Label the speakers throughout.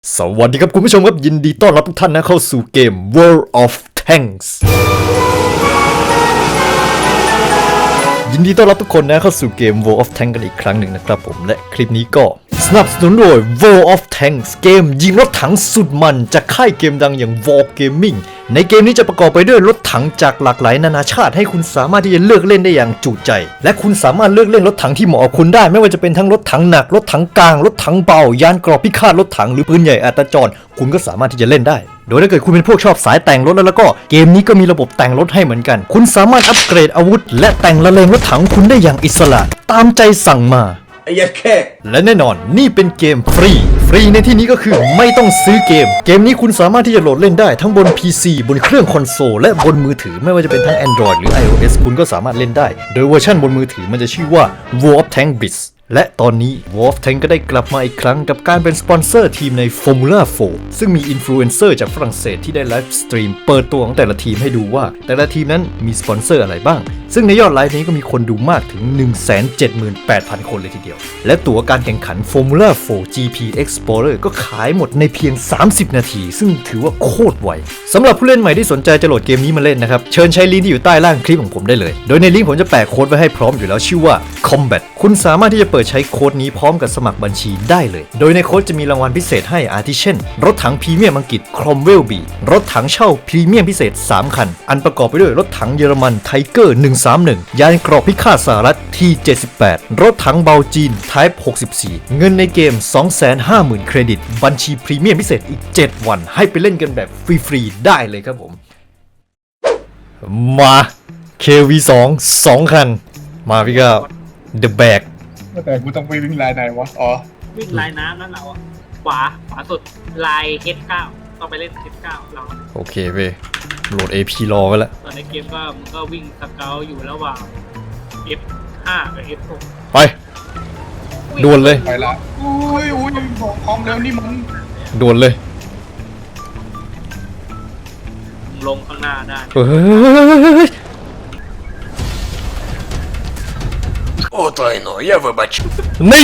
Speaker 1: สวัสดีครับคุณผู้ชมครับยินดีต้อนรับทุกท่านนะเข้าสู่เกม World of Tanks ยินดีต้อนรับทุกคนนะเข้าสู่เกม World of Tanks กันอีกครั้งหนึ่งนะครับผมและคลิปนี้ก็สนับสนุนโดย World of Tanks เกมยิงรถถังสุดมันจากค่ายเกมดังอย่าง War Gaming ในเกมนี้จะประกอบไปด้วยรถถังจากหลากหลายนานาชาติให้คุณสามารถที่จะเลือกเล่นได้อย่างจุใจและคุณสามารถเลือกเล่นรถถังที่เหมาะกับคุณได้ไม่ว่าจะเป็นทั้งรถถังหนักรถถังกลางรถถังเบายานเกราะพิฆาตรถถังหรือปืนใหญ่อัตจรคุณก็สามารถที่จะเล่นได้โดยถ้าเกิดคุณเป็นพวกชอบสายแต่งรถแล้วก็เกมนี้ก็มีระบบแต่งรถให้เหมือนกันคุณสามารถอัปเกรดอาวุธและแต่งละเลงรถถังคุณได้อย่างอิสระตามใจสั่งมาและแน่นอนนี่เป็นเกมฟรีในที่นี้ก็คือไม่ต้องซื้อเกมนี้คุณสามารถที่จะโหลดเล่นได้ทั้งบน PC บนเครื่องคอนโซลและบนมือถือไม่ว่าจะเป็นทั้ง Android หรือ iOS คุณก็สามารถเล่นได้โดยเวอร์ชันบนมือถือมันจะชื่อว่า World of Tanks Blitz และตอนนี้ World of Tanks ก็ได้กลับมาอีกครั้งกับการเป็นสปอนเซอร์ทีมใน Formula 4 ซึ่งมีอินฟลูเอนเซอร์จากฝรั่งเศสที่ได้ไลฟ์สตรีมเปิดตัวของแต่ละทีมให้ดูว่าแต่ละทีมนั้นมีสปอนเซอร์อะไรบ้างซึ่งในยอดไลฟ์นี้ก็มีคนดูมากถึง 178,000 คนเลยทีเดียวและตั๋วการแข่งขัน Formula 4 GP Explorer ก็ขายหมดในเพียง30 นาทีซึ่งถือว่าโคตรไวสำหรับผู้เล่นใหม่ที่สนใจจะโหลดเกมนี้มาเล่นนะครับเชิญใช้ลิงก์ที่อยู่ใต้ล่างคลิปของผมได้เลยโดยในลิงก์ผมจะแปะโค้ดไว้ให้พร้อมอยู่แล้วชื่อว่า Combat คุณสามารถที่จะเปิดใช้โค้ดนี้พร้อมกับสมัครบัญชีได้เลยโดยในโค้ดจะมีรางวัลพิเศษให้อาทิเช่นรถถังพรีเมียมอังกฤษ Cromwell B รถถังเช่าพรีเมียมพิเศษ3คันอันประกอบไปด้วยรถถังเยอรมัน Tiger 131ยานเกราะพิฆาตสหรัฐ T78 รถถังเบาจีน Type 64เงินในเกม 250,000 เครดิตบัญชีพรีเมียมพิเศษอีก7วันให้ไปเล่นกันแบบฟรีๆได้เลยครับผมมา KV2 2คันมาพี่ก้าว The Bag
Speaker 2: แต่กูต้องไปวิ่งลายไหนวะ อ๋อ
Speaker 3: วิ่งลายน้ำนั่นเราอ่ะขวาสุดลาย H9 ต้องไปเล่น H9 เรา
Speaker 1: โอเคเว้ยโหลด AP รอไว้แล้ว
Speaker 3: ตอนในเกมก็มึงก็วิ่งสเกลอยู่ระหว่าง F5 กับ F6
Speaker 1: ไปด่วนเลย
Speaker 2: ไปละอุ้ยบอกความเร็วนี่มัน
Speaker 1: ด่วนเลย
Speaker 3: ลงข้างหน้าได้
Speaker 1: เฮ้ย
Speaker 4: О, тайно, я вибачу.
Speaker 1: นี่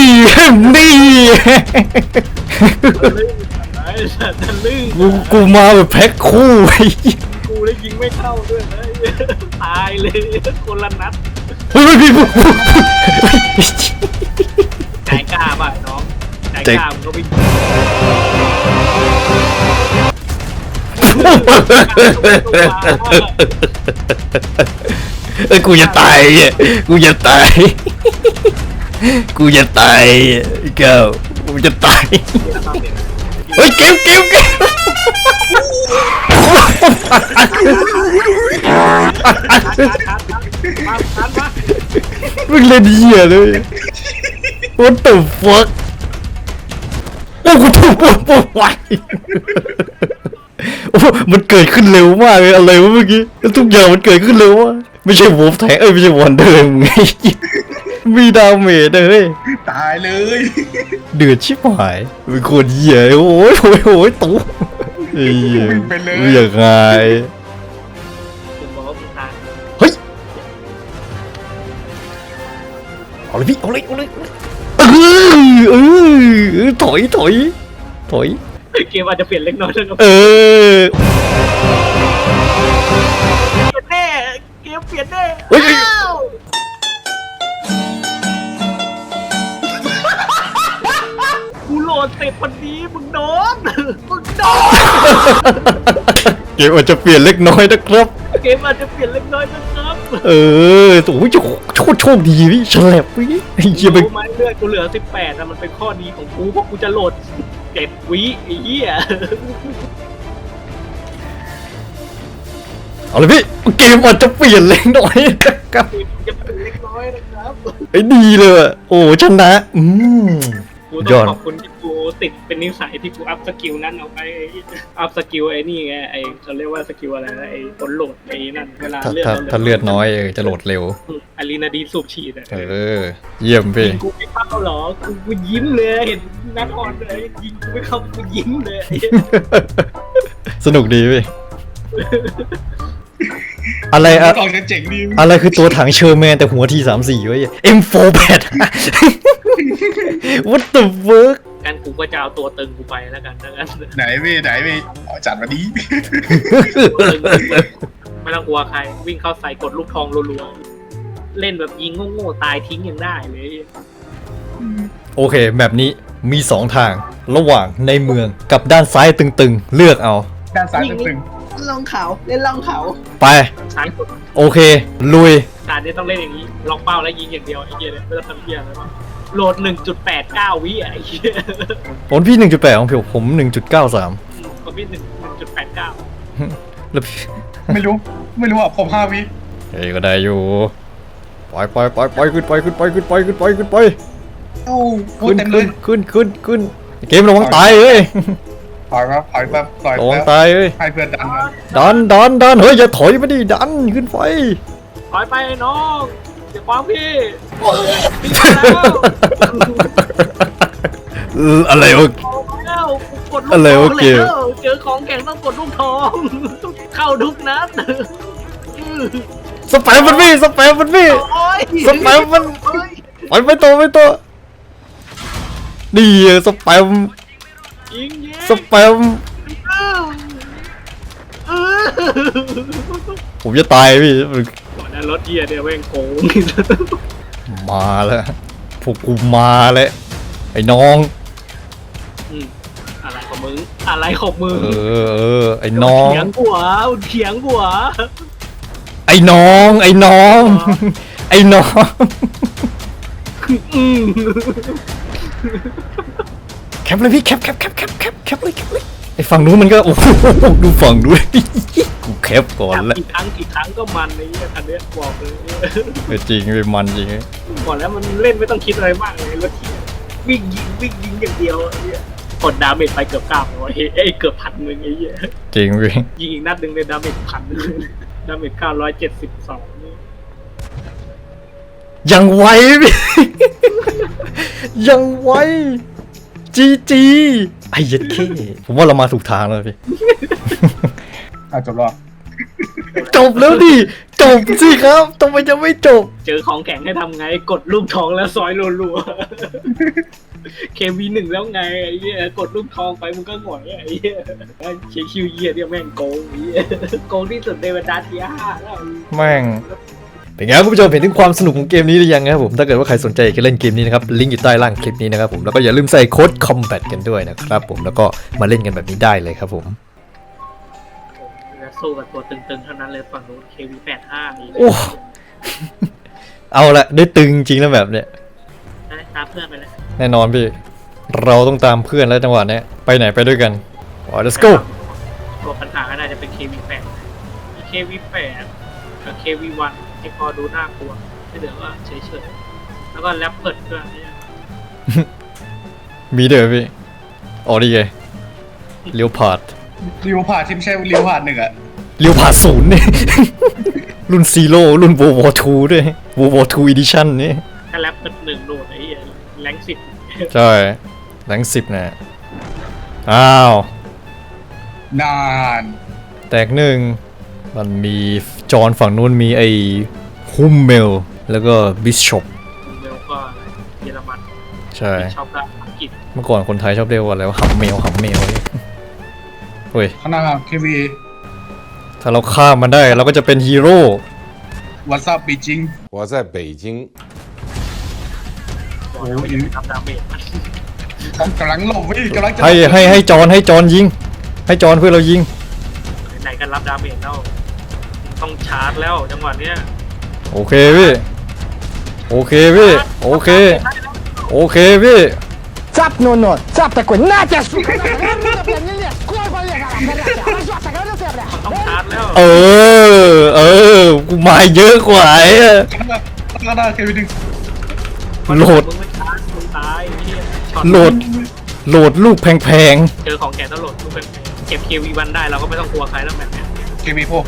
Speaker 3: จะลื่น
Speaker 1: กูมาแบบแพ็คคู่ไอ้
Speaker 3: กูได้ยิงไม่เข้าด้วยนะตายเลยคนละนัด
Speaker 1: เฮ้ยพี่
Speaker 3: ใจกล้าป่ะน้องใจกล้ามึงก็วิ่ง
Speaker 1: เอ้ยกูจะตายอ่ะกูจะตายกูจะตายเก้ากูจะตายเฮ้ยเก็บมึงเล่นเหี้ยเลย What the fuck โอ้กูถูกปวดไวโอ้มันเกิดขึ้นเร็วมากเลยอะไรวะเมื่อกี้ทุกอย่างมันเกิดขึ้นเร็วมากไม่ใช่วอลแทงไม่ใช่วันเดิมไงมีดาเมจเลย
Speaker 2: ตายเลย
Speaker 1: เดือดชิบหายเป็นคนเหี้ยโอ้ยตู้ไอ้เหี้ย
Speaker 2: วิ่งไปเลย
Speaker 1: ไม่อยากไง
Speaker 3: ผมบอกว่ามึงตาย
Speaker 1: เฮ้ยเอาเลยพี่เอาเลยถอย
Speaker 3: เกมอาจจะเปลี่ยนเล็กน้อยนะครับ
Speaker 1: เออ
Speaker 3: แน่เกมเปลี่ยนแน่
Speaker 1: เฮ้ย
Speaker 3: กูโหลดเสร็จวันนี้มึงโดน
Speaker 1: เกมอาจจะเปลี่ยนเล็กน้อยนะครับ
Speaker 3: เกมอาจจะเปลี่ยนเล็กน้อยนะครับ
Speaker 1: เออโอ้ยโชคดีพี่ฉลับพี่ไอ้เหี้ย
Speaker 3: รู้ไหมเลือดกูเหลือ18นะมันเป็นข้อดีของกูเพราะกูจะโหลด7 วิไอ้เหี้ย
Speaker 1: เอาเลยพี่เกมอาจจะเปลี่ยนเล็กน้อยนะครับ
Speaker 3: จะเป็นเล็กน้อยนะครับ
Speaker 1: ไอ้ดีเลยอะโอ้ชนะ
Speaker 3: กู
Speaker 1: ย
Speaker 3: ต้อ
Speaker 1: อด
Speaker 3: งขอบคุณที่กูติดเป็นนิสัยที่กูอัพสกิลนั้นเอาไปอัพสกิลไอ้นี่ไงไอ้เขาเรียกว่าสกิลอะไรนะไอ้ผลโหลดไอ้นั่นเวลาเลือด
Speaker 1: ถ้าเลือดน้อยจะโหลดเร็ว
Speaker 3: อะลีนาดีนสูบฉีดอะ
Speaker 1: เยี่ยมพี่
Speaker 3: ยิงกูไม่เข้าเหรอกูยิ้มเลยเห็นนัดออนเลยยิงกูไม่เข้ากูยิ้มเลย
Speaker 1: สนุกดีพี่อะไร
Speaker 2: ต
Speaker 1: อะ
Speaker 2: อนกันเจ๋งดี
Speaker 1: อะไรคือตัวถังเชอร์แมนแต่หัวที34ไว้ M48 What the fuck
Speaker 3: งั้นกูก็จะเอาตัวตึงกูไปแล้วกันนะงั้น
Speaker 2: ไหนพี่เอาจัดมาดี
Speaker 3: ไม่ต้องกลัวใครวิ่งเข้าใส่กดลูกทองรัวๆเล่นแบบยิงโง่ๆตายทิ้งยังได้เลย
Speaker 1: โอเคแบบนี้มี 2 ทางระหว่างในเมืองกับด้านซ้ายตึงๆ เลือกเอา
Speaker 2: ด้านซ้ายตึง
Speaker 5: ลองเขาเล่นลองเขา
Speaker 1: ไป
Speaker 3: ซ้ายกด
Speaker 1: โอเค ลุย
Speaker 3: การนี้ต้องเล่นอย่างนี้ล็อกเป้าแล้วยิงอย่างเดียวไอ้เหี้ยเนี่ยไม่ต้องทำเหี้ยอะไรมากโหลด 1.89 วิอ่ะไอ้เหี้ย
Speaker 1: ผมพี่ 1.8 ของผม 1.93
Speaker 3: ของพี่1.89
Speaker 1: แล้วพี่
Speaker 2: ๆไม่รู้อ่ะผม5 วิ
Speaker 1: เฮ้ยก็ได้อยู่ไปขึ้นไป
Speaker 2: โอ้โห
Speaker 1: ขึ้น
Speaker 2: เต็มเล
Speaker 1: ขึ้
Speaker 2: ย
Speaker 1: นเกมระวังตายเอ้ย
Speaker 2: ถอยแป๊บถอย
Speaker 1: ระวัง
Speaker 2: แป๊บ
Speaker 1: ตายเอ้ย
Speaker 2: ให้เพื่อนดันมา
Speaker 1: ดันเฮ้ยอย่าถอยมาดิดันขึ้นไป
Speaker 3: ถอยไปน้องเดี๋ยวความพี่พี่แล้ว
Speaker 1: อะไรวะ
Speaker 3: แล้วกดลูก
Speaker 1: อะไร
Speaker 3: ทอ
Speaker 1: วะ
Speaker 3: ง
Speaker 1: เกม
Speaker 3: แล้วเจอของแข็งต้องกดลูกทอง เข้าทุกนัด
Speaker 1: สแปมมันพี่
Speaker 3: โอ้ย
Speaker 1: สแปมมันไปตัวนี่สแปม
Speaker 3: ยิง
Speaker 1: สแปมผมจะตายพี่
Speaker 3: ก่อนนะรถเกียร์เนี่ยแม่งโกง
Speaker 1: มาแล้วพวกกูมาแล้วไอ้น้อง
Speaker 3: อะไรของมึงอะไรของมึง
Speaker 1: ไอ้น้อง
Speaker 3: เถียงหัว
Speaker 1: ไอ้น้อง ไอ้น้อง
Speaker 3: อืม
Speaker 1: แคปเลยพี่แคปเลยไอ้ฝั่งนู้นมันก็โอ้โหดูฝั่งนู้นกูแคปก่อน
Speaker 3: จับ
Speaker 1: แล้ว
Speaker 3: กี่ครั้งก็มันไอ้เนี่ยคันเนี้ยบอกเลย
Speaker 1: จริงเป็นมันจริง
Speaker 3: ก่อนแล้วมันเล่นไม่ต้องคิดอะไรมากเลยรถเกียร์วิ่งยิงอย่างเดียวไอ้เนี่ยกดดาเมจไปเกือบ900เอ้ยเกือบ1,000ไอ้เหี้ย
Speaker 1: จริงพี่
Speaker 3: ยิงอีกนัดหนึ่งเลยดาเมจ1,000ดาเมจ972นี่
Speaker 1: ยังไวพี่ ยังไวจีไอ้เย็ดเข้ผมว่าเรามาถูกทางแล้วพี่
Speaker 2: จบแล้ว
Speaker 1: จบแล้วดิจบสิครับทำไมจะไม่จบ
Speaker 3: เจอของแข็งให้ทำไงกดลูกทองแล้วซอยรัวๆ KV1 แล้วไงไอ้เหี้ยกดลูกทองไปมึงก็หงอยไอ้เหี้ยเชียร์คิวเยียเนี่ยแม่งโกงไอ้เหี้ยโกงที่สุดในบรรดาที5แล้ว
Speaker 1: แม่งเป็นไงครับคุณผู้ชมเห็นถึงความสนุกของเกมนี้หรือยังนะครับผมถ้าเกิดว่าใครสนใจอยากจะเล่นเกมนี้นะครับลิงก์อยู่ใต้ล่างคลิปนี้นะครับผมแล้วก็อย่าลืมใส่โค้ด combat กันด้วยนะครับผมแล้วก็มาเล่นกันแบบนี้ได้เลยครับผม
Speaker 3: แล้วสู้กับตัวตึงๆเท่านั้นเลยฝั่งนู้น KV85 นี่
Speaker 1: โอ้เอาละได้ตึงจริงแล้วแบบเนี้ย
Speaker 3: ตามเพื่อนไปเลย
Speaker 1: แน่นอนพี่เราต้องตามเพื่อนแล้วจังหวะเนี้ยไปไหนไปด้วยกันlet's go
Speaker 3: ตัวปัญหาก็น่าจะเป็น KV8 มี KV8 กับ KV1 ที่พอดูน่ากลัวที่เหลือก็เฉยๆแล้วก็แรปเปิดเครื่องนี้
Speaker 1: มีเด้อพี่อ๋อดีไงเลี้ยวผาด
Speaker 2: ริวผ่านที่ไม่ใช่ริวผ่าน1อ่ะ
Speaker 1: เลี้ยวผาดศูนย์เนี่ย รุ่นซีโร่รุ่น World War II ด้วย World War II Edition นี่
Speaker 3: ถ้าแรปเปิด1โหลดไอ้เหี้ยแรง10
Speaker 1: ใช่แรง10นะอ้าว
Speaker 2: นาน
Speaker 1: แตกหนึ่งมันมีจอนฝั่งนู้นมีไอ้ฮุมเมลแล้วก็บิชอป
Speaker 3: เร็วก็เยอรมัน
Speaker 1: ใช่
Speaker 3: ชอบด้านอังกฤษ
Speaker 1: เมื่อก่อนคนไทยชอบเรียกว่าอะไรว่าหำเมลเฮ้ย
Speaker 2: ข้างหน้าเควี
Speaker 1: ถ้าเราฆ่ามันได้เราก็จะเป็นฮีโร่
Speaker 2: วัตซับบีจิง
Speaker 6: 我在北京。
Speaker 3: บอกแล้วว่าอย่าไปทำดาเมจมัน
Speaker 2: กำลังหลบพี่กำลังจะ
Speaker 1: ให้จอนยิงให้จอนเพื่อเรายิง
Speaker 3: ไหนกันรับดาเมจแล้วต้องชาร์จแล้วจังหวะเนี้ย
Speaker 1: โอเคพี่โอเคพี่โอเคพี่
Speaker 7: Цап, ну, цап такой, на тебя, сука! Не, сколько лет, разжаться, говорил тебе, бля!
Speaker 3: ต้องชาร์จแล้ว
Speaker 1: กูมาเยอะกว่าไอ้อะ
Speaker 2: ข้างหน้าเควี1
Speaker 1: โหลด
Speaker 3: มึงไม่ชาร์จมึงตายไอ้เหี้ยช็อต
Speaker 1: โหลดลูกแพง
Speaker 3: เจอของแกต้องโหลดทุกเป็นเก็บ KV1 ได้เราก็ไม่ต้องกลัวใครแล้วแบบเนี้ย
Speaker 2: เควีพวก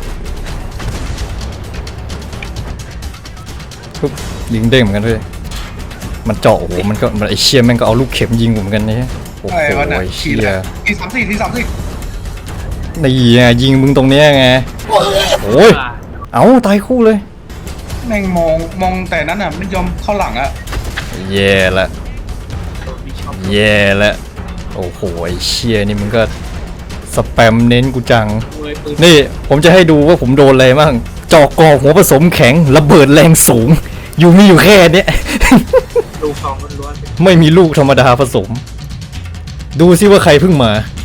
Speaker 1: ๆปุ๊บยิงเด้งเหมือนกันพี่มันเจาะโอ้โหมันไอเชี่ยแม่งก็เอาลูกเข็มยิงผมเหมือนกันเนี่ยโอ้โห
Speaker 2: ไอ้วันน่ะ
Speaker 1: ไอเชี่ย
Speaker 2: ที34
Speaker 1: นี่ไงยิงมึงตรงเนี้ยไงโอ้ยเอาตายคู่เลย
Speaker 2: แม่งมองแต่นั้นอ่ะไม่ยอมเข้าหลังอ่ะ
Speaker 1: แย่ละ
Speaker 3: โดนมีช็อ
Speaker 1: แย่แล้วโอ้โหไอ้เชี่ยนี่มันก็สแปมเน้นกูจัง
Speaker 3: มวยปืน
Speaker 1: นี่ผมจะให้ดูว่าผมโดนอะไรบ้างจอกกอหัวผสมแข็งระเบิดแรงสูง มีอยู่แค่เนี้ย
Speaker 3: ลูกทองล้วน
Speaker 1: ไม่มีลูกธรรมดาผสม ดูซิว่าใครเพิ่งมา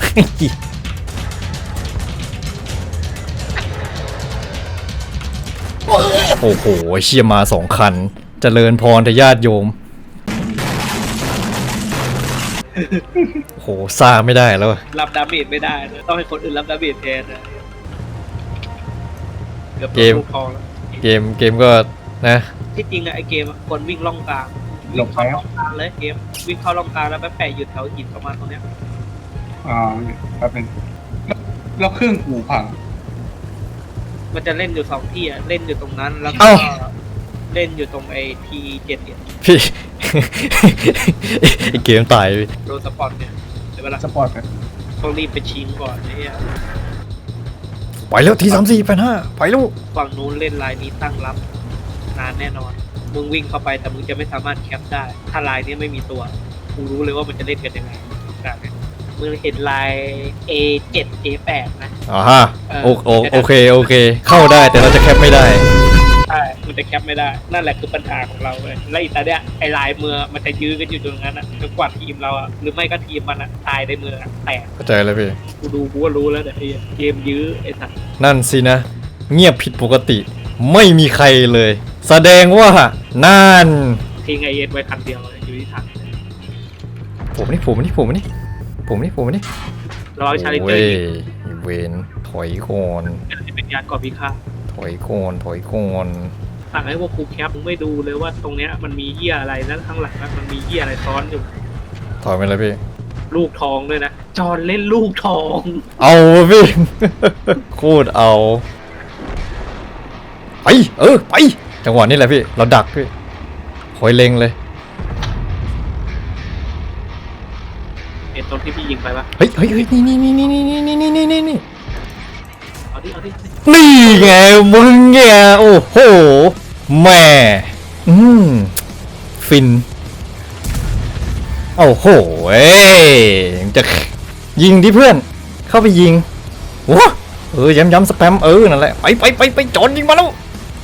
Speaker 1: โอ้โหเชี่ยมา2 คันเจริญพรทญาติโยม โอ้โหซ่าไม่ได้แล้วอะ
Speaker 3: ๆรับดาเมจไม่ได้นะต้องให้คนอื่นรับดาเมจแทนนะเกือบโดนลูกทองแล้ว
Speaker 1: เกมก็นะ
Speaker 3: ที่จริงอะไอเกมอะคนวิ่งล่องกลางวิ่งเข้าล่องกลางเลยเกมวิ่งเข้าล่องกลางแล้วไปแปะอยู่แถวหินประมาณตรงเนี้ย
Speaker 2: แป๊บนึงแล้วเครื่องกูพัง
Speaker 3: มันจะเล่นอยู่2ที่อะเล่นอยู่ตรงนั้นแล้วก็
Speaker 1: เอ้า
Speaker 3: เล่นอยู่ตรงไอT7เนี่ย
Speaker 1: พี่ ไอเกมตายไป
Speaker 3: โดนสปอตเนี่ยเดี๋ยวเวลา
Speaker 2: สปอร์ตกัน
Speaker 3: ต้องรีบไปชิงก่อนเนี่ย
Speaker 1: ไปแล้วที3485ไปลูก
Speaker 3: ฝั่งนู้นเล่นลายนี้ตั้งรับนานแน่นอนมึงวิ่งเข้าไปแต่มึงจะไม่สามารถแคปได้ ถ้าลายนี้ไม่มีตัวกูรู้เลยว่ามันจะเล่นกันยังไงแบบนี้มึงเห็นลาย A7 A8 นะ
Speaker 1: อ่าฮะโอเคเข้าได้แต่เราจะแคปไม่ได้
Speaker 3: ใช่ มันจะแคปไม่ได้ นั่นแหละคือปัญหาของเราเลยและอีตาเนี่ยไอ้ลายมือมันจะยื้อกันอยู่ตรงนั้นอ่ะจนกว่าทีมเราอ่ะ หรือไม่ก็ทีมมันอ่ะตายในมืออะแตก
Speaker 1: เข้าใจแล้วพี่
Speaker 3: กูก็รู้แล้วเนี่ยไอ้เกมยื้อไอ้สัตว์ นั่น
Speaker 1: นั่นสินะ เงียบผิดปกติ ไม่มีใครเลย แสดงว่านั่น
Speaker 3: ทิ้งไอเอ็นไว้คันเดียวเลยอยู่ที่ถัง
Speaker 1: ผมนี่
Speaker 3: เราเอาชาลิเตอ
Speaker 1: โอ้
Speaker 3: ร์
Speaker 1: ย
Speaker 3: ยิง
Speaker 1: เวนถอยก่อน
Speaker 3: จะเป็นยานก่อพิฆาต
Speaker 1: ถอยก่อน
Speaker 3: สั่งให้พวกครูแคปมึงไม่ดูเลยว่าตรงเนี้ยมันมีเหี้ยอะไรแล้วข้างหลังมันมีเหี้ยอะไรซ้อนอยู่
Speaker 1: ถอยไปเลยพี่
Speaker 3: ลูกทองด้วยนะ จอนเล่นลูกทอง
Speaker 1: เอาพี่ โคตรเอา ไปไปจังหวะนี้แหละพี่ เราดักพี่คอยเล็งเลย
Speaker 3: เห็นตรงที่พี่ยิงไปปะ
Speaker 1: เฮ้ยนี่
Speaker 3: เอาดิ
Speaker 1: นี่ไงมึงไงโอ้โหแม่ฟินโอ้โหจะยิงดิเพื่อนเข้าไปยิงว้าย้ำสแปมนั่นแหละไปจอนยิงมาแล้ว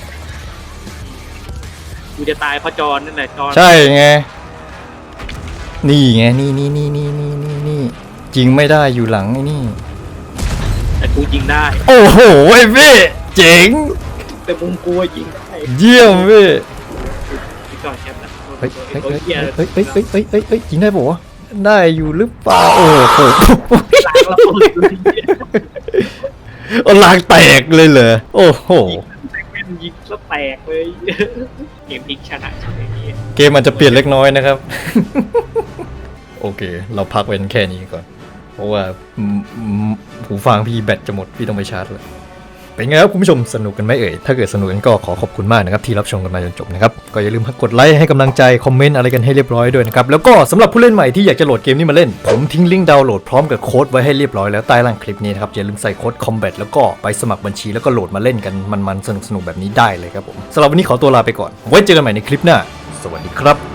Speaker 3: กูจะตายเพราะจอนนั่นแหละจอน
Speaker 1: ใช่ไงนี่ไงนี่ยิงไม่ได้อยู่หลังไอ้นี่
Speaker 3: แต่กูยิงได้
Speaker 1: โอ้โหไอ้พี่เจ๋ง
Speaker 3: แต่มุมกูอะยิงได้
Speaker 1: เยี่ยมพี่
Speaker 3: พี่จอนแคปนะ
Speaker 1: เฮ้ย
Speaker 3: โอ้ยเหี้ย
Speaker 1: ยิงได้ปะวะได้อยู่หรือเปล่าโอ้โห
Speaker 3: หลังเราปืนเลย
Speaker 1: ลางแตกเลยเหรอโอ้โห
Speaker 3: ยิงซะแตกเลยเกมพลิกชนะใช่ไหมเนี่ย
Speaker 1: เกมมันจะเปลี่ยนเล็กน้อยนะครับ โอเค เราพักเว้นแค่นี้ก่อน เพราะว่าหูฟังพี่แบตจะหมดพี่ต้องไปชาร์จเลยเป็นไงครับคุณผู้ชมสนุกกันไหมเอ่ยถ้าเกิดสนุกกันก็ขอบคุณมากนะครับที่รับชมกันมาจนจบนะครับก็อย่าลืมกดไลค์ให้กำลังใจคอมเมนต์อะไรกันให้เรียบร้อยด้วยนะครับแล้วก็สำหรับผู้เล่นใหม่ที่อยากจะโหลดเกมนี้มาเล่นผมทิ้งลิงก์ดาวน์โหลดพร้อมกับโค้ดไว้ให้เรียบร้อยแล้วใต้ล่างคลิปนี้นะครับอย่าลืมใส่โค้ด combat แล้วก็ไปสมัครบัญชีแล้วก็โหลดมาเล่นกันมันๆสนุกๆแบบนี้ได้เลยครับผมสำหรับวันนี้ขอตัวลาไปก่อนไว้เจอกันใหม่ในคลิปหน้าสวัสดีครับ